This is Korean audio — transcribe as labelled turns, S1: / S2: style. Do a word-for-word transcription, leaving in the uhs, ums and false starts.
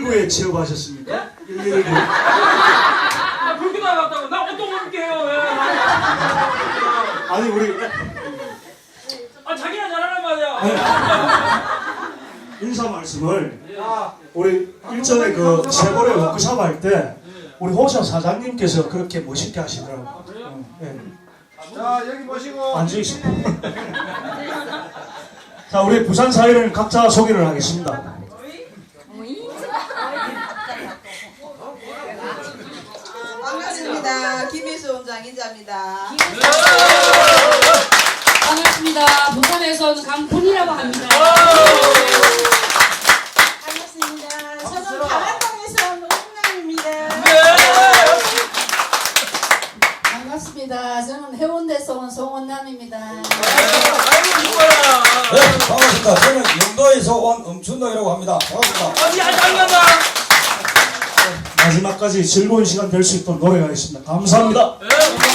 S1: 일일구에 취업하셨습니까? 일일구.
S2: 아, 그렇게 나갔다고? 나 어떤 그렇게 해요? 예.
S1: 아니 우리
S2: 아, 자기가 잘하는 말이야.
S1: 인사 말씀을 우리 일전에 그 세월에 워크숍 할 때 우리 호사 사장님께서 그렇게 멋있게 하시더라고요. 응, 예.
S3: 자 여기 보시고
S1: 앉으시고. 자 우리 부산 사회를 각자 소개를 하겠습니다.
S4: 반갑습니다. 김희수 원장 인자입니다.
S5: 반갑습니다. 부산에서 온 강훈이라고 합니다.
S4: 반갑습니다. 저는 강한동에서 온 홍남입니다.
S6: 반갑습니다. 저는 해운대에서 온 송원남입니다.
S7: 네, 반갑습니다. 저는 영도에서 온 엄춘동이라고 합니다. 반갑습니다.
S2: 아니, 아니, 아니, 아니.
S1: 마지막까지 즐거운 시간 될 수 있도록 노력하겠습니다. 감사합니다.
S2: 네,